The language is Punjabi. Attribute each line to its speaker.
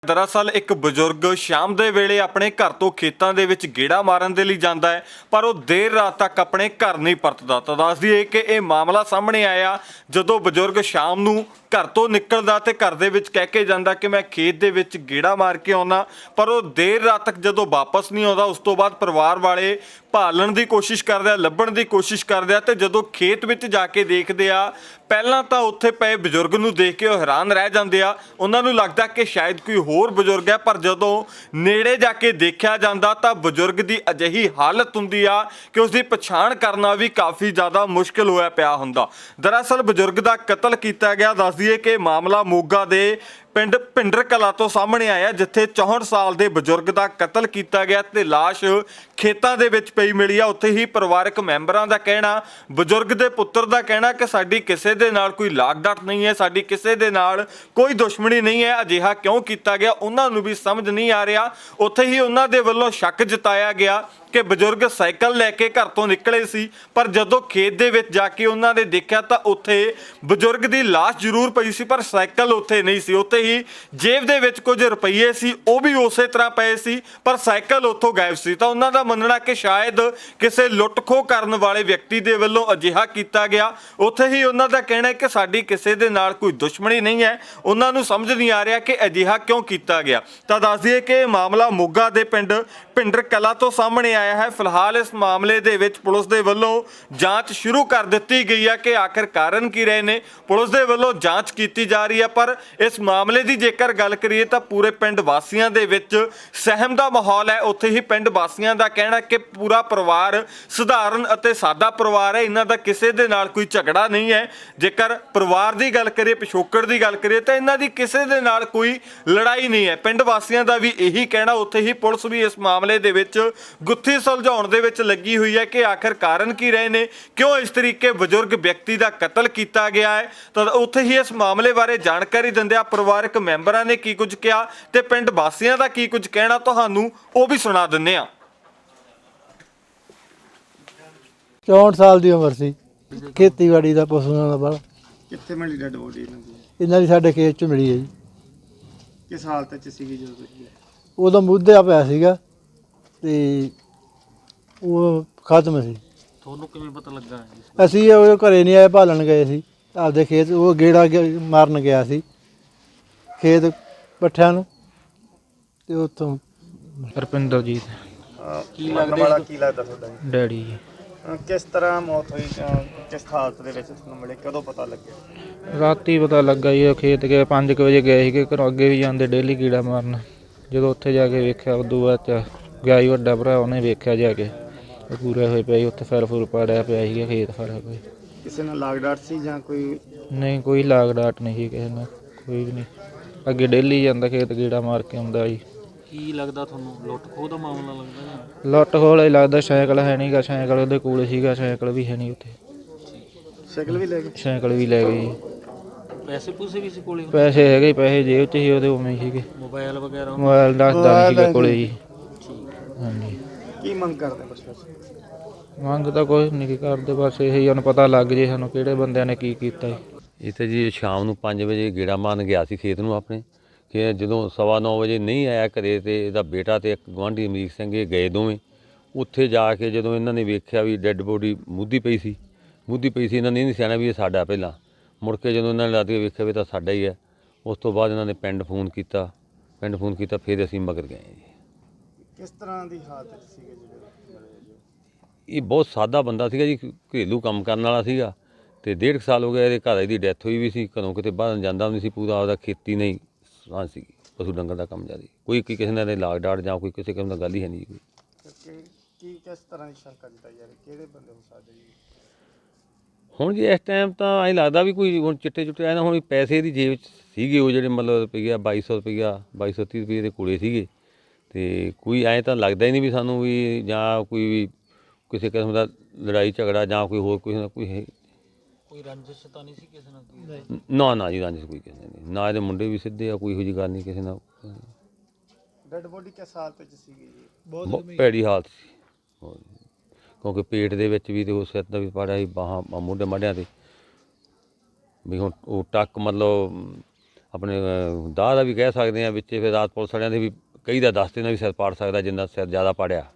Speaker 1: दरअसल एक बजुर्ग शाम ਦੇ ਵੇਲੇ ਆਪਣੇ ਘਰ ਤੋਂ ਖੇਤਾਂ ਦੇ ਵਿੱਚ ਗੇੜਾ ਮਾਰਨ ਦੇ ਲਈ ਜਾਂਦਾ ਹੈ, ਪਰ ਉਹ ਦੇਰ ਰਾਤ ਤੱਕ ਆਪਣੇ ਘਰ ਨਹੀਂ ਪਰਤਦਾ। ਤਾਂ ਦੱਸ ਦਈਏ ਕਿ ਇਹ ਮਾਮਲਾ ਸਾਹਮਣੇ ਆਇਆ ਜਦੋਂ ਬਜ਼ੁਰਗ ਸ਼ਾਮ ਨੂੰ ਘਰ ਤੋਂ ਨਿਕਲਦਾ ਤੇ ਘਰ ਦੇ ਵਿੱਚ ਕਹਿ ਕੇ ਜਾਂਦਾ ਕਿ ਮੈਂ ਖੇਤ ਦੇ ਵਿੱਚ ਗੇੜਾ ਮਾਰ ਕੇ ਆਉਣਾ, ਪਰ ਉਹ ਦੇਰ ਰਾਤ ਤੱਕ ਜਦੋਂ ਵਾਪਸ ਨਹੀਂ ਆਉਂਦਾ ਉਸ ਤੋਂ ਬਾਅਦ ਪਰਿਵਾਰ ਵਾਲੇ ਭਾਲਣ ਦੀ ਕੋਸ਼ਿਸ਼ ਕਰਦੇ ਆ, ਲੱਭਣ ਦੀ ਕੋਸ਼ਿਸ਼ ਕਰਦੇ ਆ ਤੇ ਜਦੋਂ ਖੇਤ ਵਿੱਚ ਜਾ ਕੇ ਦੇਖਦੇ ਆ, ਪਹਿਲਾਂ ਤਾਂ ਉੱਥੇ ਪਏ ਬਜ਼ੁਰਗ ਨੂੰ ਦੇਖ ਕੇ ਉਹ ਹੈਰਾਨ ਰਹਿ ਜਾਂਦੇ ਆ। ਉਹਨਾਂ ਨੂੰ ਲੱਗਦਾ ਕਿ ਸ਼ਾਇਦ ਕੋਈ ਹੋਰ ਬਜ਼ੁਰਗ ਹੈ, ਪਰ ਜਦੋਂ ਨੇੜੇ ਜਾ ਕੇ ਦੇਖਿਆ ਜਾਂਦਾ ਤਾਂ ਬਜ਼ੁਰਗ ਦੀ ਅਜਿਹੀ ਹਾਲਤ ਹੁੰਦੀ ਆ ਕਿ ਉਸ ਦੀ ਪਛਾਣ ਕਰਨਾ ਵੀ ਕਾਫੀ ਜ਼ਿਆਦਾ ਮੁਸ਼ਕਿਲ ਹੋਇਆ ਪਿਆ ਹੁੰਦਾ। ਦਰਅਸਲ ਬਜ਼ੁਰਗ ਦਾ ਕਤਲ ਕੀਤਾ ਗਿਆ। ਦੱਸ ਦਈਏ ਕਿ ਮਾਮਲਾ ਮੋਗਾ ਦੇ ਪਿੰਡ ਭਿੰਡਰ ਕਲਾਂ ਤੋਂ ਸਾਹਮਣੇ ਆਇਆ, ਜਿੱਥੇ 64 ਸਾਲ ਦੇ ਬਜ਼ੁਰਗ ਦਾ ਕਤਲ ਕੀਤਾ ਗਿਆ ਤੇ ਲਾਸ਼ ਖੇਤਾਂ ਦੇ ਵਿੱਚ ਪਈ ਮਿਲੀ ਆ। ਉੱਥੇ ਹੀ ਪਰਿਵਾਰਕ ਮੈਂਬਰਾਂ ਦਾ ਕਹਿਣਾ, ਬਜ਼ੁਰਗ ਦੇ ਪੁੱਤਰ ਦਾ ਕਹਿਣਾ ਕਿ ਸਾਡੀ ਕਿਸੇ ਦੇ ਨਾਲ ਕੋਈ ਲਾਗ ਡਾਟ ਨਹੀਂ ਹੈ, ਸਾਡੀ ਕਿਸੇ ਦੇ ਨਾਲ ਕੋਈ ਦੁਸ਼ਮਣੀ ਨਹੀਂ ਹੈ। ਅਜਿਹਾ ਕਿਉਂ ਕੀਤਾ ਗਿਆ ਉਹਨਾਂ ਨੂੰ ਵੀ ਸਮਝ ਨਹੀਂ ਆ ਰਿਹਾ। ਉੱਥੇ ਹੀ ਉਹਨਾਂ ਦੇ ਵੱਲੋਂ ਸ਼ੱਕ ਜਤਾਇਆ ਗਿਆ ਕਿ ਬਜ਼ੁਰਗ ਸਾਈਕਲ ਲੈ ਕੇ ਘਰ ਤੋਂ ਨਿਕਲੇ ਸੀ, ਪਰ ਜਦੋਂ ਖੇਤ ਦੇ ਵਿੱਚ ਜਾ ਕੇ ਉਹਨਾਂ ਨੇ ਦੇਖਿਆ ਤਾਂ ਉੱਥੇ ਬਜ਼ੁਰਗ ਦੀ ਲਾਸ਼ ਜ਼ਰੂਰ ਪਈ ਸੀ, ਪਰ ਸਾਈਕਲ ਉੱਥੇ ਨਹੀਂ ਸੀ। ਉੱਥੇ ਹੀ ਜੇਬ ਦੇ ਵਿੱਚ ਕੁਝ ਰੁਪਈਏ ਸੀ, ਉਹ ਵੀ ਉਸੇ ਤਰ੍ਹਾਂ ਪਏ ਸੀ, ਪਰ ਸਾਈਕਲ ਉੱਥੋਂ ਗਾਇਬ ਸੀ। ਤਾਂ ਉਹਨਾਂ ਦਾ ਮੰਨਣਾ ਕਿ ਸ਼ਾਇਦ ਕਿਸੇ ਲੁੱਟ-ਖੋਹ ਕਰਨ ਵਾਲੇ ਵਿਅਕਤੀ ਦੇ ਵੱਲੋਂ ਅਜਿਹਾ ਕੀਤਾ ਗਿਆ। ਉੱਥੇ ਹੀ ਉਹਨਾਂ ਦਾ ਕਹਿਣਾ ਹੈ ਕਿ ਸਾਡੀ ਕਿਸੇ ਦੇ ਨਾਲ ਕੋਈ ਦੁਸ਼ਮਣੀ ਨਹੀਂ ਹੈ। ਉਹਨਾਂ ਨੂੰ ਸਮਝ ਨਹੀਂ ਆ ਰਿਹਾ ਕਿ ਅਜਿਹਾ ਕਿਉਂ ਕੀਤਾ ਗਿਆ। ਤਾਂ ਦੱਸ ਦਈਏ ਕਿ ਮਾਮਲਾ ਮੋਗਾ ਦੇ ਪਿੰਡ ਭਿੰਡਰ ਕਲਾਂ ਤੋਂ ਸਾਹਮਣੇ ਆਇਆ ਹੈ। ਫਿਲਹਾਲ ਇਸ ਮਾਮਲੇ ਦੇ ਵਿੱਚ ਪੁਲਿਸ ਦੇ ਵੱਲੋਂ ਜਾਂਚ ਸ਼ੁਰੂ ਕਰ ਦਿੱਤੀ ਗਈ ਹੈ ਕਿ ਆਖਰ ਕਾਰਨ ਕੀ ਰਹੇ ਨੇ। ਪੁਲਿਸ ਦੇ ਵੱਲੋਂ ਜਾਂਚ ਕੀਤੀ ਜਾ ਰਹੀ ਹੈ, ਪਰ ਇਸ ਮਾਮਲੇ ਦੀ ਜੇਕਰ ਗੱਲ ਕਰੀਏ ਤਾਂ ਪੂਰੇ ਪਿੰਡ ਵਾਸੀਆਂ ਦੇ ਵਿੱਚ ਸਹਿਮ ਦਾ ਮਾਹੌਲ ਹੈ। ਉੱਥੇ ਹੀ ਪਿੰਡ ਵਾਸੀਆਂ ਦਾ ਕਹਿਣਾ ਕਿ ਪੂਰਾ ਪਰਿਵਾਰ ਸਧਾਰਨ ਅਤੇ ਸਾਦਾ ਪਰਿਵਾਰ ਹੈ, ਇਹਨਾਂ ਦਾ ਕਿਸੇ ਦੇ ਨਾਲ ਕੋਈ ਝਗੜਾ ਨਹੀਂ ਹੈ। ਜੇਕਰ ਪਰਿਵਾਰ ਦੀ ਗੱਲ ਕਰੀਏ, ਪਿਛੋਕੜ ਦੀ ਗੱਲ ਕਰੀਏ ਤਾਂ ਇਹਨਾਂ ਦੀ ਕਿਸੇ ਦੇ ਨਾਲ ਕੋਈ ਲੜਾਈ ਨਹੀਂ ਹੈ। ਪਿੰਡ ਵਾਸੀਆਂ ਦਾ ਵੀ ਇਹੀ ਕਹਿਣਾ। ਉੱਥੇ ਹੀ ਪੁਲਿਸ ਵੀ ਇਸ ਮਾਮਲੇ ਦੇ ਵਿੱਚ ਗੁੱਥੀ ਸੁਲਝਾਉਣ ਦੇ ਵਿੱਚ ਲੱਗੀ ਹੋਈ ਹੈ ਕਿ ਆਖਰ ਕਾਰਨ ਕੀ ਰਹੇ ਨੇ, ਕਿਉਂ ਇਸ ਤਰੀਕੇ ਬਜ਼ੁਰਗ ਵਿਅਕਤੀ ਦਾ ਕਤਲ ਕੀਤਾ ਗਿਆ ਹੈ। ਤਾਂ ਉੱਥੇ ਹੀ ਇਸ ਮਾਮਲੇ ਬਾਰੇ ਜਾਣਕਾਰੀ ਦਿੰਦਿਆਂ ਪਰਿਵਾਰਕ ਮੈਂਬਰਾਂ ਨੇ ਕੀ ਕੁਝ ਕਿਹਾ ਤੇ ਪਿੰਡ ਵਾਸੀਆਂ ਦਾ ਕੀ ਕੁਝ ਕਹਿਣਾ, ਤੁਹਾਨੂੰ ਉਹ ਵੀ ਸੁਣਾ ਦਿੰਦੇ ਆ।
Speaker 2: 64 ਸਾਲ ਦੀ ਉਮਰ ਸੀ, ਖੇਤੀਬਾੜੀ ਦਾ ਪਸ਼ੂਆਂ ਦਾ ਬਾਹਲਾ।
Speaker 3: ਕਿੱਥੇ ਮਿਲੀ ਡੈਡ ਬੋਡੀ
Speaker 2: ਇਹਨਾਂ ਦੀ ਸਾਡੇ ਖੇਤ 'ਚ ਮਿਲੀ ਹੈ ਜੀ।
Speaker 3: ਕਿਸ ਹਾਲਤ 'ਚ ਸੀਗੀ ਜਦੋਂ ਤੁਸੀਂ?
Speaker 2: ਉਦੋਂ ਮੁੱਧਿਆ ਪਿਆ ਸੀਗਾ ਤੇ ਉਹ ਖਤਮ ਸੀ।
Speaker 4: ਤੁਹਾਨੂੰ ਕਿਵੇਂ ਪਤਾ ਲੱਗਾ?
Speaker 2: ਅਸੀਂ ਉਹ ਘਰੇ ਨਹੀਂ ਆਏ, ਭਾਲਣ ਗਏ ਸੀ ਆਪਦੇ ਖੇਤ। ਉਹ ਗੇੜਾ ਮਾਰਨ ਗਿਆ ਸੀ ਖੇਤ ਪੱਠਿਆਂ ਨੂੰ ਤੇ ਉੱਥੋਂ
Speaker 4: ਰਪਿੰਦਰਜੀਤ
Speaker 3: ਕੀ ਲੱਗਦਾ ਤੁਹਾਡਾ ਜੀ?
Speaker 4: ਡੈਡੀ ਜੀ।
Speaker 3: ਕਿਸ ਤਰ੍ਹਾਂ ਮੌਤ ਹੋਈ? ਕਿਸ ਹਾਲਤ ਦੇ ਵਿੱਚ ਤੁਹਾਨੂੰ ਮਿਲੇ? ਕਦੋਂ ਪਤਾ ਲੱਗਿਆ?
Speaker 4: ਰਾਤੀ ਪਤਾ ਲੱਗਾ ਜੀ। ਉਹ ਖੇਤ ਗਏ 5 ਵਜੇ ਗਏ ਸੀਗੇ ਘਰੋਂ, ਅੱਗੇ ਵੀ ਜਾਂਦੇ ਡੇਲੀ ਕੀੜਾ ਮਾਰਨ। ਜਦੋਂ ਉੱਥੇ ਜਾ ਕੇ ਵੇਖਿਆ ਉਦੋਂ ਬਾਅਦ ਚ ਗਿਆ ਹੀ ਵੱਡਾ ਭਰਾ, ਉਹਨੇ ਵੇਖਿਆ ਜਾ ਕੇ ਪੂਰੇ ਹੋਏ ਪਿਆ ਸੀ ਉੱਥੇ, ਫਰ ਫੁਰ ਪਾੜਿਆ ਪਿਆ ਸੀਗਾ ਖੇਤ ਫਰ ਹੋਏ।
Speaker 3: ਕਿਸੇ ਨਾਲ ਲਾਗ ਡਾਟ ਸੀ ਜਾਂ ਕੋਈ?
Speaker 4: ਨਹੀਂ, ਕੋਈ ਲਾਗ ਡਾਟ ਨਹੀਂ ਸੀ ਕਿਸੇ ਨਾਲ, ਕੋਈ ਵੀ ਨਹੀਂ। ਅੱਗੇ ਡੇਲੀ ਜਾਂਦਾ ਖੇਤ ਕੀੜਾ ਮਾਰ ਕੇ ਆਉਂਦਾ ਜੀ।
Speaker 5: ਕੀ ਲੱਗਦਾ ਤੁਹਾਨੂੰ, ਲੁੱਟ ਖੋਹ ਦਾ ਮਾਮਲਾ ਲੱਗਦਾ?
Speaker 4: ਲੁੱਟ ਖੋਹ ਹੀ ਲੱਗਦਾ। ਸਾਈਕਲ ਹੈ ਨਹੀਂ ਗਾ, ਸਾਈਕਲ ਉਹਦੇ ਕੋਲ ਸੀਗਾ, ਸਾਈਕਲ ਵੀ ਹੈ ਨਹੀਂ ਉੱਥੇ।
Speaker 3: ਸਾਈਕਲ ਵੀ ਲੈ ਗਏ?
Speaker 4: ਸਾਈਕਲ ਵੀ ਲੈ ਗਏ ਜੀ।
Speaker 5: ਪੈਸੇ ਪੂਸੇ ਵੀ ਸੀ ਕੋਲੇ?
Speaker 4: ਪੈਸੇ ਹੈਗੇ, ਪੈਸੇ ਜੇਬ 'ਚ ਸੀ ਉਹਦੇ, ਉਵੇਂ ਹੀ ਸੀਗੇ।
Speaker 5: ਮੋਬਾਈਲ ਵਗੈਰਾ?
Speaker 4: ਮੋਬਾਈਲ ਦੱਸਦਾ ਨਹੀਂ ਸੀਗਾ ਕੋਲੇ ਜੀ। ਹਾਂਜੀ।
Speaker 3: ਕੀ ਮੰਗ ਕਰਦੇ ਪ੍ਰਸ਼ਾਸਨ?
Speaker 4: ਮੰਗ ਤਾਂ ਕੁਛ ਨਹੀਂ ਕਰਦੇ, ਬਸ ਇਹੀ ਹੁਣ ਪਤਾ ਲੱਗ ਜੇ ਸਾਨੂੰ ਕਿਹੜੇ ਬੰਦਿਆਂ ਨੇ ਕੀ ਕੀਤਾ ਜੀ।
Speaker 6: ਇਹ ਤਾਂ ਜੀ ਸ਼ਾਮ ਨੂੰ 5 ਵਜੇ ਗੇੜਾ ਮਾਰਨ ਗਿਆ ਸੀ ਖੇਤ ਨੂੰ ਆਪਣੇ, ਕਿ ਜਦੋਂ 9:15 ਵਜੇ ਨਹੀਂ ਆਇਆ ਘਰੇ ਤੇ ਇਹਦਾ ਬੇਟਾ ਤੇ ਇੱਕ ਗੁਆਂਢੀ ਅਮਰੀਕ ਸਿੰਘ ਇਹ ਗਏ ਦੋਵੇਂ। ਉੱਥੇ ਜਾ ਕੇ ਜਦੋਂ ਇਹਨਾਂ ਨੇ ਵੇਖਿਆ ਵੀ ਡੈੱਡ ਬੋਡੀ ਮੁੱਧੀ ਪਈ ਸੀ, ਇਹਨਾਂ ਨੇ ਨਹੀਂ ਸਿਆਣਾ ਵੀ ਇਹ ਸਾਡਾ। ਪਹਿਲਾਂ ਮੁੜ ਕੇ ਜਦੋਂ ਇਹਨਾਂ ਨੇ ਲੱਦ ਕੇ ਵੇਖਿਆ ਵੀ ਤਾਂ ਸਾਡਾ ਹੀ ਹੈ। ਉਸ ਤੋਂ ਬਾਅਦ ਇਹਨਾਂ ਨੇ ਪਿੰਡ ਫੋਨ ਕੀਤਾ, ਫਿਰ ਅਸੀਂ ਮਗਰ ਗਏ ਜੀ।
Speaker 3: ਕਿਸ ਤਰ੍ਹਾਂ ਦੀ ਹਾਲਤ 'ਚ ਸੀਗੇ ਜਿਹੜੇ?
Speaker 6: ਇਹ ਬਹੁਤ ਸਾਦਾ ਬੰਦਾ ਸੀਗਾ ਜੀ, ਘਰੇਲੂ ਕੰਮ ਕਰਨ ਵਾਲਾ ਸੀਗਾ ਤੇ 1.5 ਸਾਲ ਹੋ ਗਿਆ ਇਹਦੇ ਘਰ ਦੀ ਡੈਥ ਹੋਈ ਵੀ ਸੀ। ਘਰੋਂ ਕਿਤੇ ਬਾਹਰ ਜਾਂਦਾ ਨਹੀਂ ਸੀ, ਪੂਰਾ ਆਪਦਾ ਖੇਤੀ ਨਹੀਂ ਸਾਂ ਸੀ, ਪਸ਼ੂ ਡੰਗਰ ਦਾ ਕੰਮ ਜ਼ਿਆਦਾ। ਕੋਈ ਕਿਸੇ ਨਾਲ ਲਾਗ ਡਾਟ ਜਾਂ ਕੋਈ ਕਿਸੇ ਕਿਸਮ ਦਾ ਗੱਲ ਹੀ ਹੈ ਨਹੀਂ ਕੋਈ।
Speaker 3: ਕੀ ਕਿਸ ਤਰ੍ਹਾਂ ਦੀ ਸ਼ੰਕਾ ਜਤਾਈ ਜਾ ਰਹੀ, ਕਿਹੜੇ ਬੰਦੇ ਹੋ ਸਕਦੇ ਜੀ?
Speaker 6: ਹੁਣ ਜੀ ਇਸ ਟਾਈਮ ਤਾਂ ਐਂ ਲੱਗਦਾ ਵੀ ਕੋਈ ਹੁਣ ਚਿੱਟੇ ਆਏ ਨਾ। ਹੁਣ ਪੈਸੇ ਦੀ ਜੇਬ 'ਚ ਸੀਗੇ ਉਹ ਜਿਹੜੇ ਮਤਲਬ ਰੁਪਈਆ 2230 ਰੁਪਈਏ ਦੇ ਕੋਲੇ ਸੀਗੇ, ਤੇ ਕੋਈ ਐਂ ਤਾਂ ਲੱਗਦਾ ਹੀ ਨਹੀਂ ਵੀ ਸਾਨੂੰ ਵੀ ਜਾਂ ਕੋਈ ਵੀ ਕਿਸੇ ਕਿਸਮ ਦਾ ਲੜਾਈ ਝਗੜਾ ਜਾਂ ਕੋਈ ਹੋਰ ਕਿਸੇ ਨਾਲ
Speaker 5: ਕੋਈ ਰੰਜਿਸ਼ ਤਾਂ ਨਹੀਂ ਸੀ ਕਿਸੇ ਨਾਲ?
Speaker 6: ਨਾ ਜੀ, ਰੰਜਿਸ਼ ਕੋਈ ਕਿਸੇ ਨਹੀਂ। ਨਾ ਇਹਦੇ ਮੁੰਡੇ ਵੀ ਸਿੱਧੇ ਆ, ਕੋਈ ਇਹੋ ਜਿਹੀ ਗੱਲ ਨਹੀਂ ਕਿਸੇ ਨਾਲ।
Speaker 3: ਡੈਡ ਬੋਡੀ ਕਿਸ ਹਾਲਤ 'ਚ ਸੀਗੀ ਜੀ?
Speaker 6: ਬਹੁਤ ਭੈੜੀ ਹਾਲਤ ਸੀ, ਕਿਉਂਕਿ ਪੇਟ ਦੇ ਵਿੱਚ ਵੀ ਤੇ ਉਹ ਸਿਰ ਦਾ ਵੀ ਪਾੜਿਆ ਸੀ, ਬਾਹਾਂ ਮੋਢੇ ਮਾਢਿਆਂ 'ਤੇ ਵੀ। ਹੁਣ ਉਹ ਟੱਕ ਮਤਲਬ ਆਪਣੇ ਦਾਹ ਦਾ ਵੀ ਕਹਿ ਸਕਦੇ ਹਾਂ, ਵਿੱਚੇ ਫਿਰ ਰਾਤ ਪੁਲਿਸ ਵਾਲਿਆਂ ਦੇ ਵੀ ਕਈ ਦਾ ਦੱਸ ਦੇਣਾ ਵੀ ਸਿਰ ਪਾੜ ਸਕਦਾ ਜਿੰਨਾ ਸਿਰ ਜ਼ਿਆਦਾ ਪਾੜਿਆ।